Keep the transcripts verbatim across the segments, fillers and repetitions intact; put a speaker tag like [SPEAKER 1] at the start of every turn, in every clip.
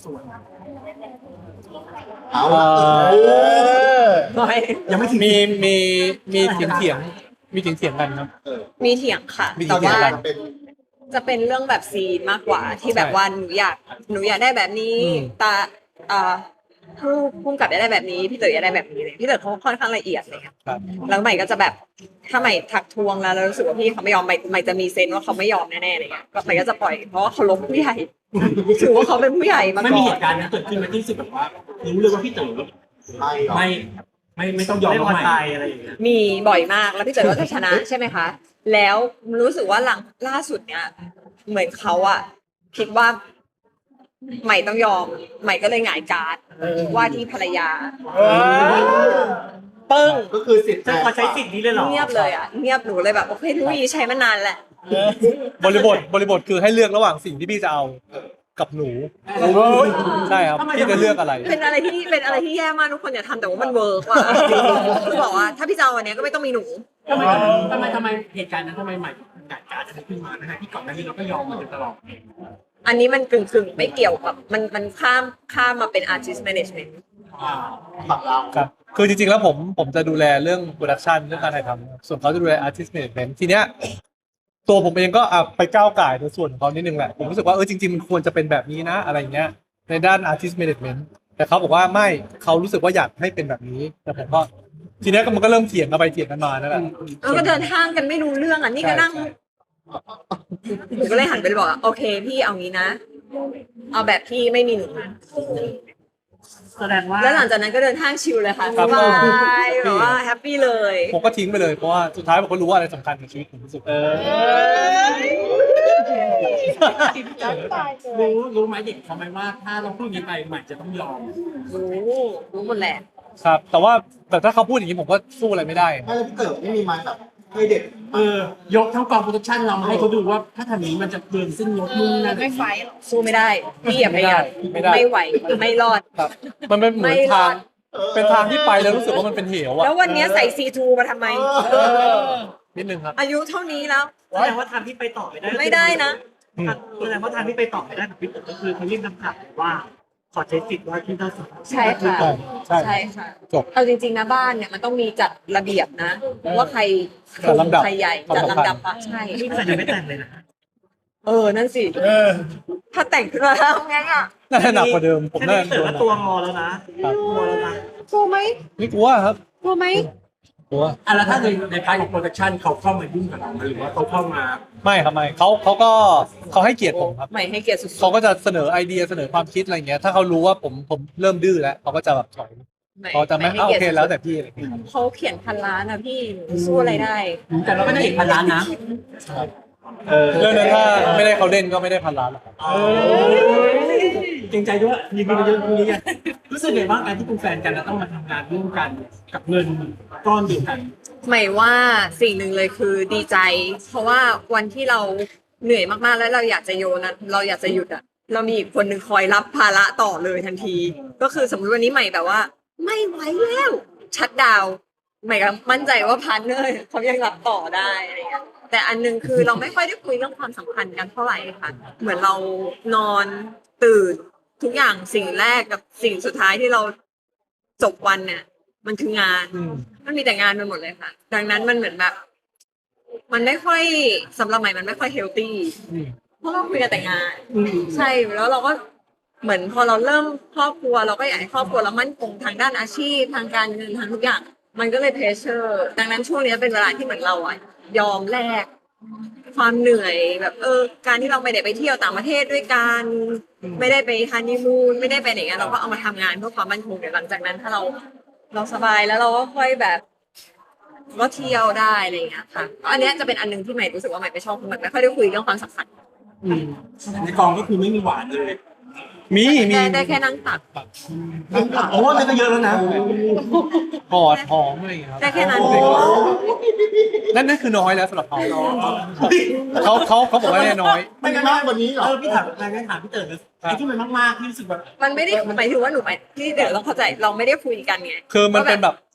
[SPEAKER 1] ส่วน
[SPEAKER 2] เอา
[SPEAKER 3] เอ่อ
[SPEAKER 4] ไม่
[SPEAKER 1] ยังไม่ถึง
[SPEAKER 3] มีมีมีเถียงเถียงมีเถียงเถียงกันครับ
[SPEAKER 2] เออ
[SPEAKER 4] มีเถียงค่ะ
[SPEAKER 3] มีเถี
[SPEAKER 4] แต่
[SPEAKER 3] ยง
[SPEAKER 4] ว่า
[SPEAKER 3] กัน
[SPEAKER 2] เป็น
[SPEAKER 4] จะเป็นเรื่องแบบซีนมากกว่าที่แบบ
[SPEAKER 3] ใช่
[SPEAKER 4] ว่าหนูอยากหนูอยากได้แบบนี้
[SPEAKER 3] อืม
[SPEAKER 4] ตาอ่าผู้พุ่มกับอยากได้แบบนี้พี่เต๋ออยากได้แบบนี้เลยพี่เต๋อเขาค่อนข้างละเอียดเลยค่ะ
[SPEAKER 3] ครับ
[SPEAKER 4] แล้วใหม่ก็จะแบบถ้าใหม่ทักทวงแล้วแล้วรู้สึกว่าพี่เขาไม่ยอมใหม่ใหม่จะมีเซนส์ว่าเขาไม่ยอมแน่ๆเลยก็ใหม่ก็จะปล่อยเพราะว่าเขาลบผู้ใหญ่ ถือว่าเขาเป็นผู้ใหญ่มา
[SPEAKER 1] ไม่
[SPEAKER 4] ก่
[SPEAKER 1] มี
[SPEAKER 4] อ
[SPEAKER 1] เห
[SPEAKER 4] น
[SPEAKER 1] ตุการณ์นั้นเกิดขึ้นมาที่รู้สึกแบบว่ารู้เลยว่าพี่เต๋อ
[SPEAKER 2] ไม่หรอก
[SPEAKER 1] ไม่ไม่ไม่ต้องยอม
[SPEAKER 5] ไม่พอ
[SPEAKER 1] ใหม่
[SPEAKER 5] ใจอะไรอย่างเงี้ย
[SPEAKER 4] มีบ่อยมากแล้วพี่เต๋อก็จะชนะใช่ไหมคะแล้วรู้สึกว่าหลังล่าสุดเนี่ยเหมือนเขาอะคิดว่าใหม่ต้องยอมใหม่ก็เลยหงายการ์ดว่าที่ภรรยาปึ้ง
[SPEAKER 2] ก็คือสิทธิ์
[SPEAKER 5] จะมาใช้สิทธิ์นี้เลยเหรอ
[SPEAKER 4] เงียบเลยอ่ะเงียบหนูเลยแบบโอเคทุกทีใช้มานานแหละ
[SPEAKER 3] บริบทบริบทคือให้เลือกระหว่างสิ่งที่พี่จะเอากับหนูใช่ครับพี่จะเลือกอะไร
[SPEAKER 4] เป็นอะไรที่เป็นอะไรที่แย่มากทุกคนอย่าทำแต่ว่ามันเวิร์กว่ะคือบอกว่าถ้าพี่จะเอาอันเนี้ยก็ไม่ต้องมีหนู
[SPEAKER 1] ทำไมทำไมทำไมเหตุการณ์นั้นทำไมใหม่กัดการจะขึ้นมานะฮะที่ก่อนหน้านี้เราก็ยอมมาโดยตลอด
[SPEAKER 4] อันนี้มันกึ่งกึ่งๆไม่เกี่ยวกับมันมันข้ามข้ามมาเป็น artist management
[SPEAKER 1] อ่า
[SPEAKER 2] ฝั่งเรา
[SPEAKER 3] ครับคือจริงๆแล้วผมผมจะดูแลเรื่องโปรดักชันเรื่องการถ่ายทำส่วนเขาจะดูแลอาร์ติสต์แมネจเมนต์ทีเนี้ยตัวผมเองก็อ่ะไปก้าวไก่ในส่วนของเขานิดนึงแหละผมรู้สึกว่าเออจริงๆมันควรจะเป็นแบบนี้นะอะไรเงี้ยในด้านอาร์ติสต์แมネจเมนต์แต่เขาบอกว่าไม่เขารู้สึกว่าอยากให้เป็นแบบนี้แต่ผมก็ทีเนี้ยก็มันก็เริ่มเถียงกันไปเถียงกันมานั่นแหละ
[SPEAKER 4] แล้วก็เดินห้างกันไม่รู้เรื่องอ่ะนี่ก็นั่งหนูก็เลยหันไปบอกว่าโอเคพี่เอางี้นะ เอาแบบที่ไม่มีหนู
[SPEAKER 5] แสดงว่า
[SPEAKER 4] แล้วหลังจากนั้นก็เดินห้างชิลเลยค่ะ
[SPEAKER 3] ครั
[SPEAKER 4] ส
[SPEAKER 3] บ
[SPEAKER 4] บายแบบว่าแฮปปี้เลย
[SPEAKER 3] ผมก็ทิ้งไปเลยเพราะว่าสุดท้ายผมก็รู้ว่าอะไรสำคัญในชีวิตผมที่สุดเออ
[SPEAKER 1] รู้รู้ไหมเด็กเขาไหมว่าถ้าเราพูดอย่างนี้ไปใหม่จะต้องยอม
[SPEAKER 4] รู้รู้หมดแหละ
[SPEAKER 3] ครับแต่ว่าแต่ถ้าเขาพูดอย่างนี้ผมก็สู้อะไรไม่ได้
[SPEAKER 2] ไม่แล้วพี่เต๋อไม่มีไม้แบบให้เด็ก
[SPEAKER 1] เออยกทั้งกองโปรดักชั่นเรามาให้เขาดูว่าถ้าทำอย่างนี้มันจะเกินเส้นยศนู่นนั่น
[SPEAKER 4] ไม่ไฟหรอกสู้ไม่ได้พี่อย่าพยายาม
[SPEAKER 3] ไม่ได้
[SPEAKER 4] ไม่ไหวไม่รอด
[SPEAKER 3] ครับมันเป็นเหมือน
[SPEAKER 4] ไม่ร
[SPEAKER 3] ทา
[SPEAKER 4] อง ด
[SPEAKER 3] เป็นทางที่ไปแล้วรู้สึกว่ามันเป็นเหวอะ
[SPEAKER 4] แล้ววันนี้ใส่ซีทูมาทำไม
[SPEAKER 3] เออนิดนึงครับ
[SPEAKER 4] อายุเท่านี้แล้ว
[SPEAKER 5] แสดงว่าทางที่ไปต่อไม่ได้
[SPEAKER 4] ไม่ได้นะ
[SPEAKER 3] อืม
[SPEAKER 5] แสดงว่าทางที่ไปต่อไม่ได้กับพี่เต๋อก็คือเขายื่นคำขาดว่าขอใช้สิทธิ์ว่าที่เท่าสิทธิ์
[SPEAKER 4] ใช่ค่ะ
[SPEAKER 3] ใช่
[SPEAKER 4] ใช่ค่ะ
[SPEAKER 3] จบ
[SPEAKER 4] เอาจริงๆนะบ้านเนี่ยมันต้องมีจัดระเบียบนะ ว่าใคร
[SPEAKER 3] จัดลำดับ
[SPEAKER 4] ใครใหญ่
[SPEAKER 3] ความ
[SPEAKER 4] จัด
[SPEAKER 3] สำคัญ
[SPEAKER 4] ลำดับอะใช่
[SPEAKER 5] นี่ก็ยังไม่แต่งเลยนะ
[SPEAKER 4] เออนั่นสิถ้าแต่งขึ้นมาแล้วไงอ่ะ
[SPEAKER 3] น่าจะหนักกว่าเดิมผม
[SPEAKER 5] แค่
[SPEAKER 3] น่า
[SPEAKER 5] นี้
[SPEAKER 3] จะ
[SPEAKER 5] เต๋
[SPEAKER 3] โด
[SPEAKER 5] อน ก็ตัวงอแล้วนะ
[SPEAKER 3] ครับ
[SPEAKER 5] ตัวแล้วนะ
[SPEAKER 4] กลัวไหม
[SPEAKER 3] ไม่กลัวครับ
[SPEAKER 4] กลัวไหม
[SPEAKER 3] กลัว
[SPEAKER 1] อ่ะแล้วถ้าในในพาร์ทของโปรดักชั่นเขาเข้ามายุ่งกับเราไหมหรือว่าเขาเข้ามา
[SPEAKER 3] ไม่ครับไม่เขาเขาก็เขาให้เกียรติผมครับ
[SPEAKER 4] ใหม่ให้เกียรติสุด
[SPEAKER 3] เขาก็จะเสนอไอเดียเสนอความคิดอะไรเงี้ยถ้าเขารู้ว่าผมผมเริ่มดื้อแล้วเขาก็จะแบบถอย
[SPEAKER 4] ๆใหม่
[SPEAKER 3] เขาจะไม่
[SPEAKER 4] ให้
[SPEAKER 3] อ่ะโอ
[SPEAKER 4] กียรติ
[SPEAKER 3] เค
[SPEAKER 4] สุดๆ
[SPEAKER 3] แล้วแต่พี่อะไรเงี้ย
[SPEAKER 4] เขาเขียนพันล้านนะพี่หนูสู้อะไรได้
[SPEAKER 1] แต่เราไม่ได้เห็นพันล้านนะ
[SPEAKER 3] เรื่องนั้นถ้าไม่ได้เขาเล่นก็ไม่ได้พันล้านหรอกครับ
[SPEAKER 1] เกรงใจด้วยมีเงินเยอะตรงนี้ไงรู้สึกไงบ้างการที่เป็นแฟนกันแล้วต้องมาทำงานร่วมกันกับเงินก้อนเดียวกัน
[SPEAKER 4] ใหม่ว่าสิ่งหนึ่งเลยคือดีใจ เพราะว่าวันที่เราเหนื่อยมากๆแล้วเราอยากจะโยนนะเราอยากจะหยุดอะเรามีอีกคนหนึ่งคอยรับภาระต่อเลยทันที ก็คือสมมติวันนี้ใหม่แบบว่า ไม่ไหวแล้วชัดดาวน์ใหม่ก็มั่นใจว่าพาร์ทเนอร์เขายังรับต่อได้อะไรเงี้ยแต่อันหนึงคือเราไม่ค่อยได้คุยเรื่องความสัมพันธ์กันเท่าไหร่ค่ะ เหมือนเรานอนตื่นทุกอย่างสิ่งแรกกับสิ่งสุดท้ายที่เราจบวันเนี่ย มันคืองาน
[SPEAKER 3] อืม
[SPEAKER 4] มันมีแต่งานไปหมดเลยค่ะ ดังนั้นมันเหมือนแบบ มันไม่ค่อยสำหรับใหม่มันไม่ค่อยเฮลตี้
[SPEAKER 3] อืม
[SPEAKER 4] เพราะเราคุยกันแต่งาน ใช่แล้วเราก็เหมือนพอเราเริ่มครอบครัวเราก็อยากให้ครอบครัวเรามั่นคงทางด้านอาชีพทางการเงินทางทุกอย่าง มันก็เลยเพรสเชอร์ดังนั้นช่วงนี้เป็นเวลาที่เหมือนเราอะยอมแลกความเหนื่อยแบบเออการที่เราไม่ได้ไปเที่ยวต่างประเทศด้วยกันไม่ได้ไปฮันนีมูนไม่ได้ไปไหนกันเราก็เอามาทำงานเพื่อความมั่นคงเดี๋ยวหลังจากนั้นถ้าเรา เราสบายแล้วเราก็ค่อยแบบก็เที่ยวได้อะไรอย่างเงี้ยค่ะอันเนี้ยจะเป็นอันหนึงที่ใหม่รู้สึกว่าใหม่ไม่ชอบคือใหม่ไม่ค่อยได้คุยเรื่องความสัมพันธ์
[SPEAKER 1] อืมในกองก็คือไม่มีหวานเลย
[SPEAKER 3] มีมี
[SPEAKER 4] ได้ได้แค่นั่งตัก
[SPEAKER 1] โอ้นั่นก็เยอะแล้วนะ
[SPEAKER 3] กอดหอมอะไรอย่างเงี้ยครับ
[SPEAKER 4] ได้แค่นั้น
[SPEAKER 3] นั่นนั่นคือน้อยแล้วสำหรับเขาเขาเขาเขาบอกว่าเนี่ยน้อย
[SPEAKER 2] ไม่ได้มากกว่านี้หรอ
[SPEAKER 5] เออพี่ถามอะไรงั้นถามพี่เต๋อเลยไอ้ที่มันมากๆที่รู้สึกแบบ
[SPEAKER 4] มันไม่ได้หมายถึงว่าหนูไปที่เดี๋ยวเราเข้าใจเราไม่ได้คุยกันไง
[SPEAKER 3] คือมันเป็นแบบ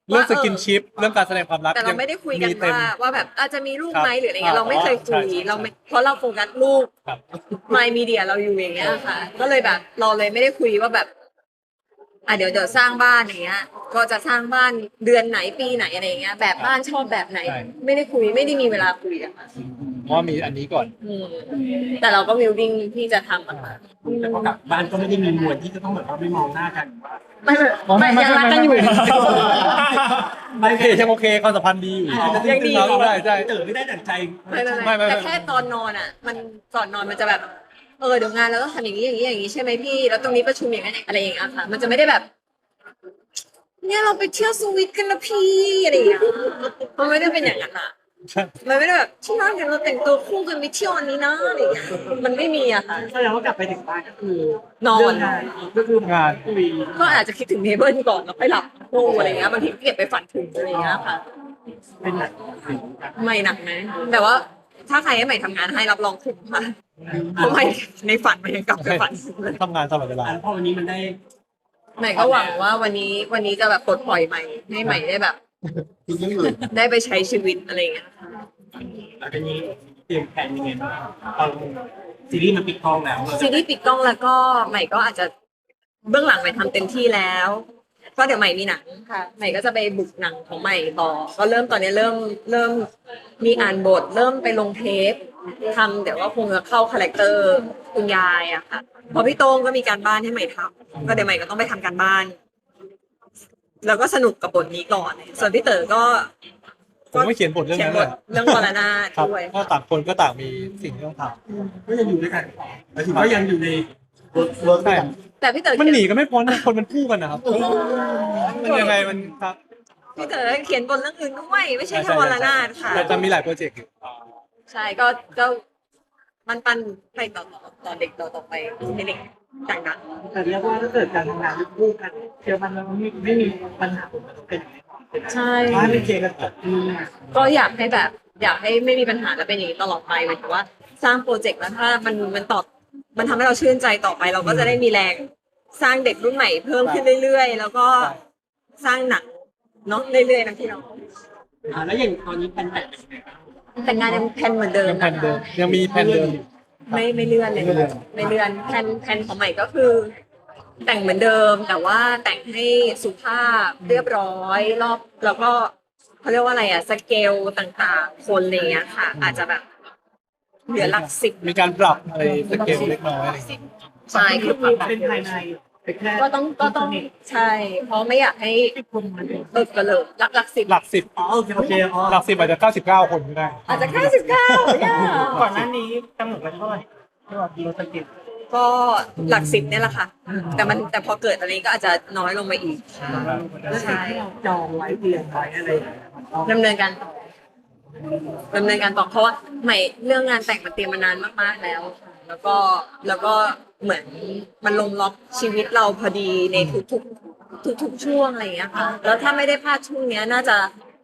[SPEAKER 3] เรื่องสกินชิปเรื่องการแสดงความรัก
[SPEAKER 4] แต่เราไม่ได้คุยกัน
[SPEAKER 3] เต็ม
[SPEAKER 4] ว่าว่าแบบอาจจะมีลูก
[SPEAKER 3] ครับ
[SPEAKER 4] ไหมหรืออะไรเงี้ยเราไม่เคยคุย
[SPEAKER 3] ใช่ใช่
[SPEAKER 4] เราไม่เพราะเราโฟกัสลูก
[SPEAKER 3] ครับ
[SPEAKER 4] มายมีเดียเราอยู่อย่างเงี้ยค่ะ ก็เลยแบบเราเลยไม่ได้คุยว่าแบบอ่ะเดี๋ยวเดี๋ยวสร้างบ้านอย่างเงี้ย ก็จะสร้างบ้านเดือนไหนปีไหนอะไรอย่างเงี้ย แบบบ้านชอบแบบไหน
[SPEAKER 3] ใช่
[SPEAKER 4] ไม่ได้คุยไม่ได้มีเวลาคุยอะค่ะ
[SPEAKER 3] เพราะว่ามีอันนี้ก่อน
[SPEAKER 4] อืมแต่เราก็วิลดิ้งที่จะทำอะค่ะ
[SPEAKER 1] แต่พอกลับบ้านก็ไม่ได้มีมวลที่จะต้องแบบว่าไม่มองหน้ากันว่า
[SPEAKER 4] ไม่ไม่ไม่ยังรักกันอยู่
[SPEAKER 3] ไม่โอเคยังโอเคความสัมพันธ์ดีอยู่
[SPEAKER 4] ยังดี
[SPEAKER 3] ครับใช่ใช่
[SPEAKER 1] เต๋อไม่ได้ดั่งใจ
[SPEAKER 4] ไม่ไม่
[SPEAKER 3] ไม่
[SPEAKER 4] ไม่
[SPEAKER 3] ไม่
[SPEAKER 4] แต่แค่ตอนนอนอ่ะ มันก่อนนอนมันจะแบบ เออเดี๋ยวงานเราต้องทำอย่างนี้อย่างนี้อย่างนี้ใช่ไหมพี่ แล้วตรงนี้ประชุมอย่างนั้นอะไรอย่างเงี้ยค่ะ มันจะไม่ได้แบบ เนี่ยเราไปเที่ยวสวิตกันนะพี่อะไรอย่างเงี้ยมันไม่ได้เป็นอย่างนั้นอ่ะ มันไม่ได้แบบที่นั่นเดี๋ยวเราแต่งตัวคู่กันไปเที่ยวอันนี้นะอะไรอย่างเงี้ยมันไม่มีอะค่ะ
[SPEAKER 5] แสดงว่ากลับไปถึงบ้านก็คือน
[SPEAKER 4] อน
[SPEAKER 5] เรื่องงานก็คือง
[SPEAKER 3] าน
[SPEAKER 5] คุย
[SPEAKER 4] ก็อาจจะคิดถึงเนเบิลก่อนแล้วค่อยหลับคู่อะไรอย่างเงี้ยบางทีก็เก็บไปฝันถึงอะไรอย่างเงี้ยค่ะ
[SPEAKER 5] เป็นหนัก
[SPEAKER 4] ไม่หนักนะแต่ว่าถ้าใครให้ใหม่ทำงานให้รับรองคุ้มค่ะเพราะใหม่ในฝันใหม่ยังกลับไปฝันถึงเลย
[SPEAKER 3] ทำงานตลอดเวลา
[SPEAKER 1] อันพอวันนี้มันได้
[SPEAKER 4] ใหม่ก็หวังว่าวันนี้วันนี้จะแบบปลดปล่อยใหม่ให้ใหม่ได้แบบ
[SPEAKER 2] คิดเรื่องอื่น
[SPEAKER 4] ได้ไปใช้ชีวิตอะไรอย่างเงี้ยค่ะ
[SPEAKER 1] หลังจากนี้เตรียมแผนยังไงบ้างเอาซีรีส์มันปิดกล้องแล้วเรา
[SPEAKER 4] ซี
[SPEAKER 1] จะ
[SPEAKER 4] รีส์ปิดกล้องแล้วก็ใหม่ก็อาจจะเบื้องหลังใหม่ทำเต็มที่แล้วก็เดี๋ยวใหม่มีหนังค่ะใหม่ก็จะไปบุกหนังของใหม่ต่อก็เริ่มตอนนี้เริ่มเริ่มมีอ่านบท เริ่มไปลงเทปทำเดี๋ยวก็คงจะเข้าคาแรคเตอร์คุณยายอะค่ะเพอพี่โต้งก็มีการบ้านให้ใหม่ทำก็เดี๋ยวใหม่ก็ต้องไปทำการบ้าน แล้วก็สนุกกับบทนี้ก่อน ส่วนพี่เต๋อก็
[SPEAKER 3] ผมก็เขียนบทเรื่อง
[SPEAKER 4] เขียน
[SPEAKER 3] นั้น
[SPEAKER 4] บ
[SPEAKER 3] เล
[SPEAKER 4] ท
[SPEAKER 3] ย
[SPEAKER 4] เรื่องวรนาถ
[SPEAKER 3] ครับ
[SPEAKER 4] ด้วย
[SPEAKER 3] ก็ต่างคนก็ต่างมีสิ่งที่ต้องท
[SPEAKER 1] ก็ยังอยู่ด้วยกันหมายถึงว่ายังอยู่ใน
[SPEAKER 2] เวิร์กเวิร์ก
[SPEAKER 3] ำใช่
[SPEAKER 4] แต่พี่เต๋อ
[SPEAKER 3] มัน
[SPEAKER 4] เขียน
[SPEAKER 3] หนีกันไม่พ้นนะคนมันคู่กันนะครับมันยังไงมันครับ
[SPEAKER 4] พี่เต๋อเขียนบทเรื่องอื่นด้วยไม่ใช่แค่วรนาถค่ะ
[SPEAKER 3] แต่จะมีหลายโปรเจกต์อยู่
[SPEAKER 4] ใช่ก็ก็มันปันไปต่อต่อต่อเด็กต่อต่อไปให้เด็กดัง
[SPEAKER 5] แต่เรียกว่าถ้าเกิดการทำงานคู่กันเชื่อมันแล้วไม่ไม่มีปัญหาผมมันเป็นอย่างนี้
[SPEAKER 4] ๆใช่
[SPEAKER 5] บ้านเป็นเคลียร์กันจบอืม
[SPEAKER 4] ก็อยากให้แบบ อยากให้ไม่มีปัญหาและเป็นอย่างนี้ตลอดไปหมายถึงว่าสร้างโปรเจกต์แล้วถ้ามันมันตอบมันทำให้เราชื่นใจต่อไป เราก็จะได้มีแรงสร้างเด็กรุ่นใหม่เพิ่มขึ้นเรื่อยๆ แล้วก็สร้างหนังเนาะเรื่อยๆนะพี่น้อง
[SPEAKER 1] อ่าแล้วอย่างตอนนี้เป็นแบบเป็นไงบ้าง
[SPEAKER 4] แต่งงานยังแพลนเหมือนเดิม
[SPEAKER 3] ยังแผ
[SPEAKER 4] นะ
[SPEAKER 3] นเดิมยังมีแผนเดิมอยู่
[SPEAKER 4] ไม่ไม่เลื่อนเลย
[SPEAKER 3] ไม่เลื่อน
[SPEAKER 4] ไม่เลื่อนแพลนแพลนของใหม่ก็คือ แต่งเหมือนเดิม แต่ว่าแต่งให้สุภาพเรียบร้อยรอบแล้วก็เขาเรียกว่าอะไรอะสเกลต่างๆ คนอะไรเงี้ยค่ะ อาจจะแบบเหลือหลักสิบ
[SPEAKER 3] มีการปรับอะไรสเกลเล็กน้อยอะไรอย่างเงี้ย
[SPEAKER 4] ใช่คือ
[SPEAKER 5] เป็นภายในเป็นแค่
[SPEAKER 4] ก็ต้องก็ต้องใช่ เพราะไม่อยากให้
[SPEAKER 5] คนมันเป็น
[SPEAKER 4] เบิกกระเลิกหลักหลักสิบ
[SPEAKER 3] หลักสิบ
[SPEAKER 1] อ๋อโอเคโอเคอ๋อ
[SPEAKER 3] หลักสิบอาจจะเก้าสิบเก้าคนก็ได้
[SPEAKER 4] อาจจะแค่สิบเก้าเนี่ย
[SPEAKER 5] ก่อนหน้านี้กำหนดไว้เท่าไหร่ที่ว่าโลสกิล
[SPEAKER 4] ก็หลักสิบเนี่ยแหละค่ะ แต่มันแต่พอเกิดอะไรก็อาจจะน้อยลงมาอีก
[SPEAKER 5] แล้วสิ่งที่เราจองไว้เตรียมไว้อะไรอย่างเงี้ยมันต้อง
[SPEAKER 4] ดำเนินการต่อดำเนินการต่อเพราะว่าใหม่เรื่องงานแต่งมันเตรียมมานานมากๆแล้ว แล้วก็แล้วก็เหมือนมันลงล็อกชีวิตเราพอดีในทุกๆทุกๆช่วงอะไรอย่างเงี้ยค่ะ แล้วถ้าไม่ได้พลาดช่วงเนี้ยน่าจะ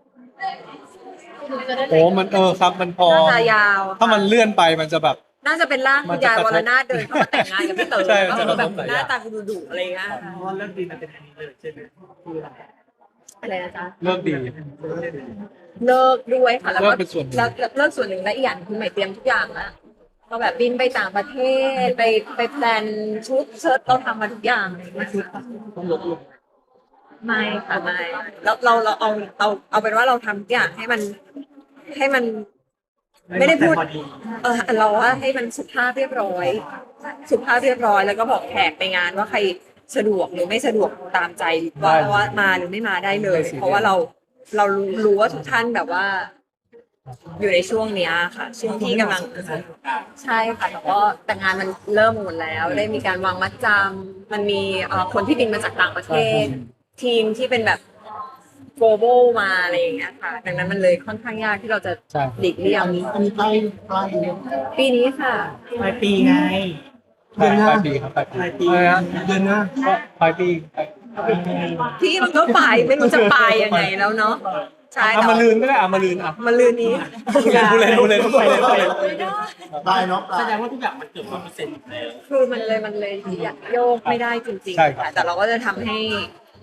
[SPEAKER 3] โอ้มันเออครับมันพอ
[SPEAKER 4] น่าจะยาว
[SPEAKER 3] ถ้ามันเลื่อนไปมันจะแบบ
[SPEAKER 4] น่าจะเป็นร่างคุณยายวรนาถเดินเข้ามาแต่งงานกับพี่เต๋อ
[SPEAKER 3] ใช่
[SPEAKER 4] แล้ว
[SPEAKER 3] จะ
[SPEAKER 4] ก็
[SPEAKER 3] ก
[SPEAKER 4] แบ
[SPEAKER 3] ระ
[SPEAKER 4] บ
[SPEAKER 3] ทบหลาย
[SPEAKER 4] ห
[SPEAKER 3] อย่าง
[SPEAKER 4] น้าตาดุดุๆอะไรอย่างเงี้ย
[SPEAKER 5] เพราะว่าเรื่องดีมันเป็นอันนี้เลยใช่ไหมคือเรา
[SPEAKER 4] อะไรนะจ๊ะ
[SPEAKER 3] เริ่มดี
[SPEAKER 4] เลิกด้วยค่ะแล้วก็
[SPEAKER 3] เลิกเป็นส่วนหนึ่ง
[SPEAKER 4] แล้วเลิกส่วนหนึ่งและอีกอย่างคือใหม่เตรียมทุกอย่างแล้วก็แบบบินไปต่างประเทศไปไปแพลนชุดเชิ้ตเราทำมาทุกอย่างเลย
[SPEAKER 5] ไม่ชุดต้องลดลง
[SPEAKER 4] ไม่ค่ะไม่เราเราเราเอาเอาเอาเป็นว่าเราทำทุกอย่างให้มันให้มัน ไม่ได้พูด
[SPEAKER 5] พอดี
[SPEAKER 4] เออเราว่าให้มันสุภาพเรียบร้อย สุภาพเรียบร้อย แล้วก็บอกแขกในงานว่าใครสะดวกหรือไม่สะดวกตามใจว่าว่ามาหรือไม่มาได้เลย เพราะว่าเราเรารู้รู้ว่าทุกท่านแบบว่า อยู่ในช่วงเนี้ยค่ะ ช่วงที่กำลังใช่ค่ะแต่ก็แต่งานมันเริ่มหมดแล้ว ได้มีการวางมัดจำมันมีเอ่อคนที่บินมาจากต่างประเทศ ทีมที่เป็นแบบ global มาอะไรอย่างเงี้ยค่ะ ดังนั้นมันเลยค่อนข้างยากที่เราจะ
[SPEAKER 3] ใช่
[SPEAKER 4] หลีกเลี่ย
[SPEAKER 2] อั
[SPEAKER 4] ง
[SPEAKER 2] นนี้อันนี้ใกล้ใกล้
[SPEAKER 4] ปีนี้ค่ะ
[SPEAKER 5] ปลายปีไง
[SPEAKER 3] ปลายปลายปีครับปลายปี
[SPEAKER 5] ปลายปี
[SPEAKER 3] อะไรนะ
[SPEAKER 1] เดือนหน้า
[SPEAKER 3] ก็ปลายปี
[SPEAKER 4] พี่มันก็ไปไม่รู้จะไปยังไงแล้วเนาะใช่
[SPEAKER 3] เอา
[SPEAKER 4] แต่
[SPEAKER 3] มาลืนก็ได้เอามาลืนอ่ะ
[SPEAKER 4] มาลืนนี้
[SPEAKER 3] พูดเล่นพูดเล่นพูดเล่นพูดเล่นพูดเล่น
[SPEAKER 4] ไม่ได้
[SPEAKER 2] ได้เนาะ
[SPEAKER 1] แสดงว่าทุกอย่างมันเกิดร้อยเปอร์เซ็นต์แล้ว
[SPEAKER 4] คือมันเลยมันเลยโยกไม่ได้จริงๆค่ะแต่เราก็จะทำให้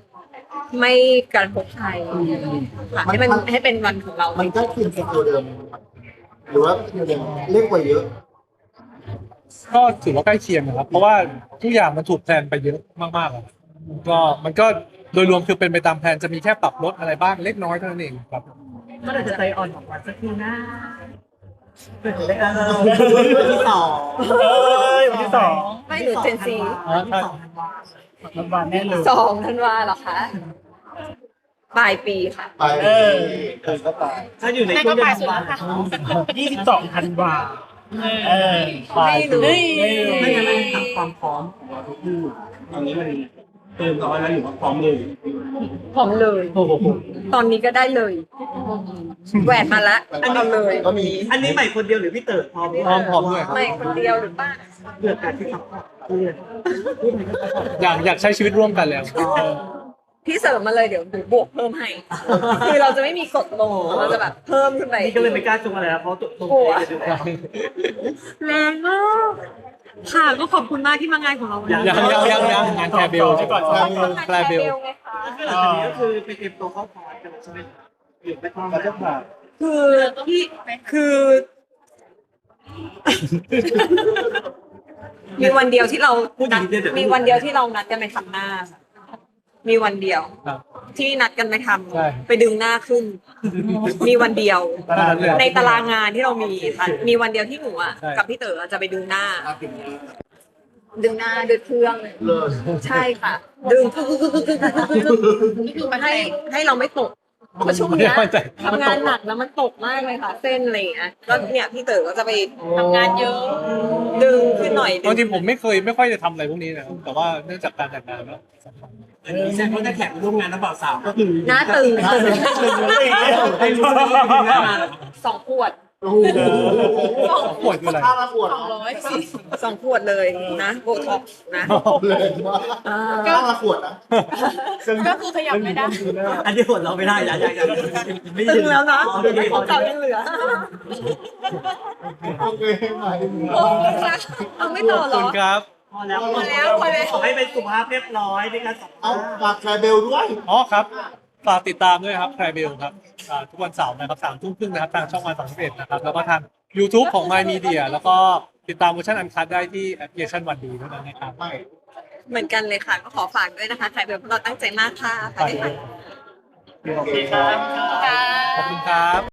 [SPEAKER 4] ไม่กระทบใครค่ะให้มันให้เป็นวันของเรา
[SPEAKER 2] มันก็คืนตัวเดิม หรือว่ายังเล็กกว่าเยอะ
[SPEAKER 3] ก็ถือว่าใกล้เคียงนะครับ เพราะว่าทุกอย่างมันถูกแพลนไปเยอะมากๆอะก็มันก็โดยรวมคือเป็นไปตามแผนจะมีแค่ปรับลดอะไรบ้างเล็กน้อยเท่านั้นเองครับ
[SPEAKER 5] ก็เลยจะใจอ่อนของวันสักทีนะเปิดเลยเออวันที่สองเอ้ยวันที่สอง
[SPEAKER 4] ไม่หนูเจนซี
[SPEAKER 5] วันที่สองธันวาธันวาแน่เลย
[SPEAKER 4] สองธันวาเหรอคะปลายปีค่ะ
[SPEAKER 2] ไปเออเออก็ไป
[SPEAKER 5] ถ้าอยู่ในช่วงเดือนธันวายี่สิบสองธันวาเออ
[SPEAKER 4] ไม่รู้
[SPEAKER 5] ไม่งั้นถามความพร้อมของเราทุกคู่ตอนนี้มันเติมร้อยแล้วหรือว่าพร้อมเลย
[SPEAKER 4] พร้อมเลย
[SPEAKER 5] โอ้โห
[SPEAKER 4] ตอนนี้ก็ได้เลยแหวนมาละอันเอาเลย
[SPEAKER 2] ก็มี
[SPEAKER 5] อันนี้ใหม่คนเดียวหรือพี่เต๋อพร้อม
[SPEAKER 3] พร้อมพร้อมด้วยครับ
[SPEAKER 4] ไม่คนเดียวหรือเปล่า
[SPEAKER 5] เลือกการที่ซัพพอร์ตเพื่อน
[SPEAKER 3] อยากอยากใช้ชีวิตร่วมกันแล้ว
[SPEAKER 4] พี่เสริมมาเลยเดี๋ยวหนูบวกเพิ่มให้ คือเราจะไม่มีกดลงเราจะแบบเพิ่มขึ้นไป
[SPEAKER 5] นี่ก็เลยไม่กล้าจุงอะไรแล้วเพราะตัวตัว
[SPEAKER 4] กลัว
[SPEAKER 5] เองอยู่แล้ว
[SPEAKER 4] แรงมากค่ะก็ขอบคุณมากที่มางานของเราวันนี้
[SPEAKER 3] ยังยังยังยังงานแคร์เบล
[SPEAKER 5] ก่อน
[SPEAKER 3] แคร์เบลแคร์เบล
[SPEAKER 4] ไงคะ
[SPEAKER 5] ก็คือหลังจากนี้ก็คือไปเตรียมตัวเข้าคอร์สกันใช่ไหมหรือไม่ต้องแล้วแบบ
[SPEAKER 4] คือพี่คือ มีวันเดียวที่เรา
[SPEAKER 5] พูดอย่างนี้เดี๋ยว
[SPEAKER 4] มีวันเดียวที่เรานัดกันไปทำหน้า มีวันเดียว
[SPEAKER 3] ครับ
[SPEAKER 4] ที่นัดกันไปท
[SPEAKER 3] ใช่
[SPEAKER 4] ำไปดึงหน้าขึ้น มีวันเดียว
[SPEAKER 3] ตอนนั้นเลย
[SPEAKER 4] ในตารางงานที่เรามีค่ะมีวันเดียวที่หนูอ่ะ
[SPEAKER 3] ใช่
[SPEAKER 4] กับพี่เต๋อจะไปดึงหน้า ดึงหน้าด้วยเครื่อง
[SPEAKER 2] เลิศ
[SPEAKER 4] ใช่ค่ะ ดึงให้ให้เราไม่ตกเพราะช่วงเนี้ย
[SPEAKER 3] ไม่มั่นใจ
[SPEAKER 4] ทำงานหนักแล้วมันตกมากเลยค่ะ เส้นอะไรอย่างเงี้ยแล้วเนี่ยพี่เต๋อก็จะไปทำงานเยอะ ดึงขึ้นหน่อยดึ
[SPEAKER 3] บางทีผมไม่เคยไม่ค่อยจะทำอะไรพวกนี้นะครับแต่ว่าเนื่องจากการแต่งงานแล้ว
[SPEAKER 1] อันนี้ใช่เพราะถ้าแขกมาร่วมงานแล้วบ่าวสาวก็คือ
[SPEAKER 4] หน้าตึง
[SPEAKER 1] ให้รู้ว่ามีหน้ามา
[SPEAKER 4] สองขวด
[SPEAKER 2] โอ้โห
[SPEAKER 3] ปวดคืออะไร
[SPEAKER 2] ค่าละขวด
[SPEAKER 4] สองขวดเลยนะโบท็อกซ์นะ
[SPEAKER 2] เลยว่า
[SPEAKER 4] อ่า
[SPEAKER 2] ค่าละขวดนะ
[SPEAKER 4] ก็คือขยับไม่ได้
[SPEAKER 1] อันนี้หัวเราไม่ได้ยังยังยังไม่
[SPEAKER 4] ตึงแล้วนะ
[SPEAKER 1] โอเค
[SPEAKER 4] ของเก่ายังเหลือ
[SPEAKER 2] โอเคไหม
[SPEAKER 4] โอ้ยค่ะเอาไม่ต่อ
[SPEAKER 3] ขอบ
[SPEAKER 4] เหร
[SPEAKER 3] คุ
[SPEAKER 4] อ
[SPEAKER 3] ณครับ
[SPEAKER 5] พอแล้ว
[SPEAKER 4] พอแล้วพอแล้ว
[SPEAKER 5] ขอให้เป็นสุขภาพเรียบร้อยในการสัม
[SPEAKER 2] เอา
[SPEAKER 5] ภาษณ์
[SPEAKER 2] ฝากแคร์เบลด้วย
[SPEAKER 3] อ๋อครับ ฝากติดตามด้วยครับแคร์เบลครับอ่าทุกวันเสาร์นะครับสามทุ่มครึ่งนะครับทางช่องวันสามสิบเอ็ดนะครับ แล้วก็ทาง YouTube ของ My Media แล้วก็ติดตามเวอร์ชันอันคัดได้ที่แอปพลิเคชันวันดีเท่านั้นนะครับ
[SPEAKER 2] ไม่
[SPEAKER 4] เหมือนกันเลยค่ะ ก็ขอฝากด้วยนะคะใครเป็นพวกเราตั้งใจมากค่ะ
[SPEAKER 3] ฝากด้วย โอเคครับ ขอบคุณครับ